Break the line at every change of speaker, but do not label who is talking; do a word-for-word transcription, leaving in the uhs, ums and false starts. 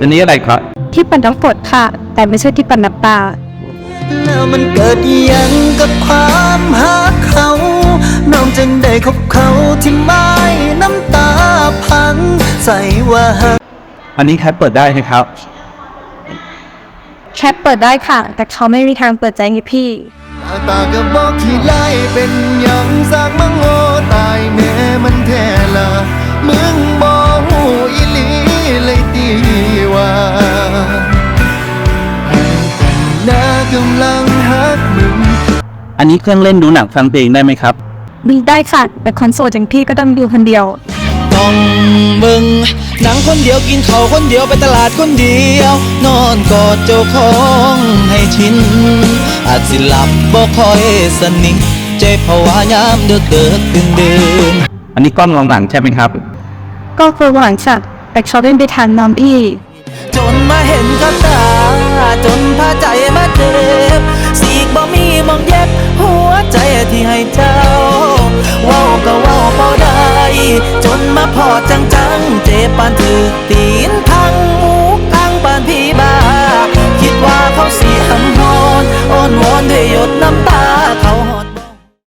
อันนี้อะไรครับ
ที่ปั่นน้ำฝนค่ะแต่ไม่ใช่ที่ปั่นน้ำตา
แล้วมันเกิดยังกับความหักเขาน้องจึงได้คบเขาที่ไม้น้ำตาพังใส่ว่า
อันนี้แคปเปิดได้ไหมครับ
แคปเปิดได้ค่ะแต่เขาไม่มีทางเปิดใจให้พี่
ตาก็บอกที่ไล่เป็นยังสากมังโง่ตายแม่มันแท้ละมึงบอกหูอีลีเลยตีว่าน่ากำลังฮักมึง
อันนี้เครื่องเล่นดูหนังฟังเพลงได้ไหมครับ
มีได้ค่ะแต่คอนโซลจังพี่ก็ต้องดูคนเดียว
ต้องมึงหนังคนเดียวกินข้าวคนเดียวไปตลาดคนเดียวนอนกอดเจ้าของให้ชินอาจสิหลับบ่ค่อยสนิทใจภาวะยามเดือดเดือดตื่นเดิน
อันนี้กล้องมองหลังใช่ไหมครับ
ก็คือหลังจากแต่เขาเล่นไปทางน้องพี่
จนมาเห็นกับตาจนพาใจมาเจ็บสีกบ่มีมองเย็บหัวใจที่ให้เจ้าเว้าก็เว้าพอได้จนมาพอจังจังเจ็บปานถือตีนพัง